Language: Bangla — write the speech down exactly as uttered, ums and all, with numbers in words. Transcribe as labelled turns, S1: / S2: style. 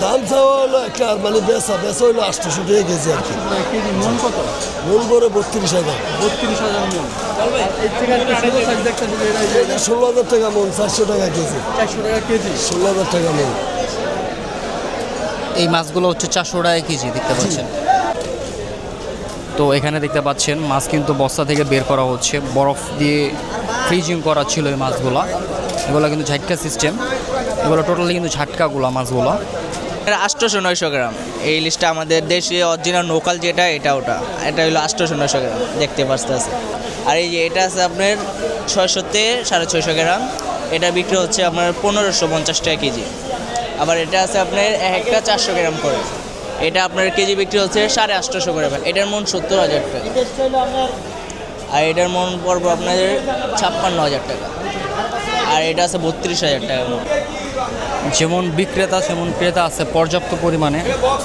S1: দাম চাওয়া হলো একটা মানে বেচা বেচা হলো আটশোশো টাকা কেজি আর কি।
S2: কেজি মন কত?
S1: মূল করে বত্রিশ হাজার
S2: বত্রিশ হাজার মন। এর থেকে একটা ছোটো সাইজ দেখতে
S1: এটা ষোলো হাজার টাকা মন, চারশো টাকা কেজি।
S2: চারশো টাকা কেজি।
S1: ষোলো হাজার টাকা মন।
S3: এই মাছগুলো হচ্ছে চারশো টাকা কেজি দেখতে পাচ্ছেন। তো এখানে দেখতে পাচ্ছেন মাছ কিন্তু বস্তা থেকে বের করা হচ্ছে, বরফ দিয়ে ফ্রিজিং করা ছিল এই মাছগুলো। এগুলো কিন্তু ঝাটকা সিস্টেম, এগুলো টোটালি কিন্তু ঝাটকাগুলো মাছগুলো।
S4: এটা আটশোশো নয়শো গ্রাম। এই লিস্টটা আমাদের দেশে অরিজিনাল লোকাল যেটা এটা ওটা এটা হলো আটশোশো নয়শো গ্রাম দেখতে পাচ্ছেন। আর এই যে এটা আছে আপনার ছয়শোতে সাড়ে ছয়শো গ্রাম, এটা বিক্রি হচ্ছে আপনার পনেরোশো পঞ্চাশ টাকা কেজি। আবার এটা আছে আপনার এক একটা চারশো গ্রাম করে, এটা আপনার কেজি বিক্রি হচ্ছে সাড়ে আটশোশো করে। এটার মন সত্তর হাজার টাকা, আর এটার মন পড়বো আপনাদের ছাপ্পান্ন হাজার টাকা, আর এটা আছে বত্রিশ হাজার টাকা মন।
S3: যেমন বিক্রেতা সেমন ক্রেতা আছে পর্যাপ্ত পরিমাণে।